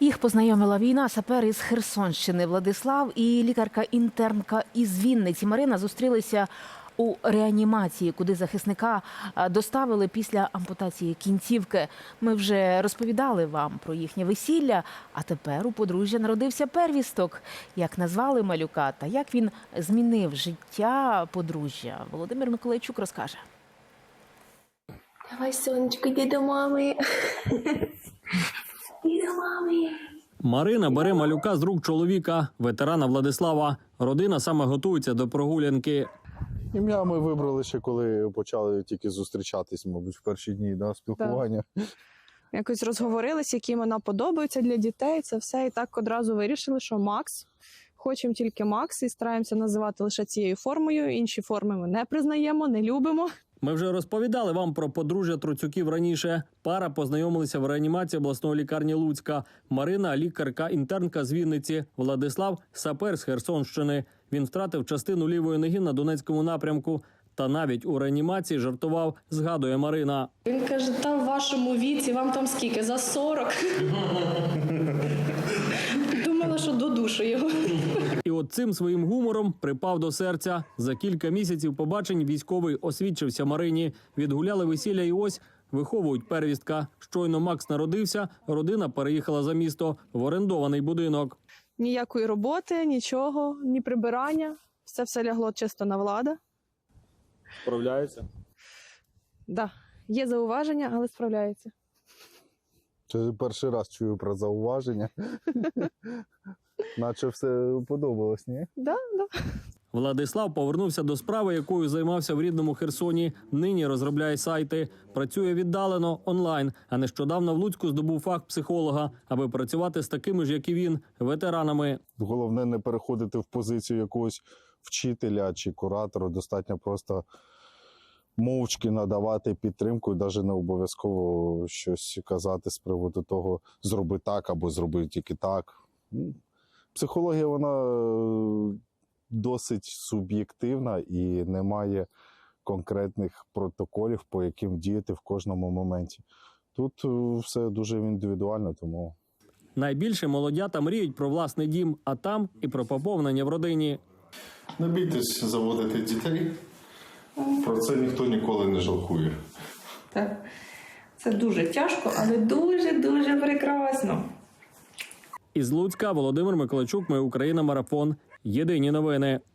Їх познайомила війна. Сапер із Херсонщини Владислав і лікарка-інтернка із Вінниці Марина зустрілися у реанімації, куди захисника доставили після ампутації кінцівки. Ми вже розповідали вам про їхнє весілля, а тепер у подружжя народився первісток. Як назвали малюка та як він змінив життя подружжя, Володимир Миколайчук розкаже. Давай, сонечко, йди до мами. Йди до мами. Марина бере малюка з рук чоловіка, ветерана Владислава. Родина саме готується до прогулянки. Ім'я ми вибрали ще, коли почали тільки зустрічатись, мабуть, в перші дні спілкування. Якось розговорились, які імена подобаються для дітей, це все. І так одразу вирішили, що Макс. Хочемо тільки Макс і стараємося називати лише цією формою. Інші форми ми не признаємо, не любимо. Ми вже розповідали вам про подружжя Троцюків раніше. Пара познайомилися в реанімації обласної лікарні Луцька. Марина – лікарка-інтернка з Вінниці. Владислав – сапер з Херсонщини. Він втратив частину лівої ноги на Донецькому напрямку. Та навіть у реанімації жартував, згадує Марина. Він каже, там в вашому віці, вам там скільки, за 40? Думала, що додушу його. І от цим своїм гумором припав до серця. За кілька місяців побачень військовий освідчився Марині. Відгуляли весілля і ось виховують первістка. Щойно Макс народився, родина переїхала за місто в орендований будинок. Ніякої роботи, нічого, ні прибирання. Все лягло чисто на Влада. Справляється? Да, є зауваження, але справляється. Це перший раз чую про зауваження. Наче все подобалось, ні? Да. Владислав повернувся до справи, якою займався в рідному Херсоні. Нині розробляє сайти. Працює віддалено, онлайн. А нещодавно в Луцьку здобув фах психолога, аби працювати з такими ж, як і він, ветеранами. Головне не переходити в позицію якогось вчителя чи куратора. Достатньо просто мовчки надавати підтримку і навіть не обов'язково щось казати з приводу того, зроби так або зроби тільки так. Психологія, вона досить суб'єктивна і немає конкретних протоколів, по яким діяти в кожному моменті. Тут все дуже індивідуально, тому... Найбільше молодята мріють про власний дім, а там і про поповнення в родині. Не бійтесь заводити дітей. Про це ніхто ніколи не жалкує. Так, це дуже тяжко, але дуже-дуже прекрасно. Із Луцька Володимир Миколайчук, Ми Україна, Марафон. Єдині новини.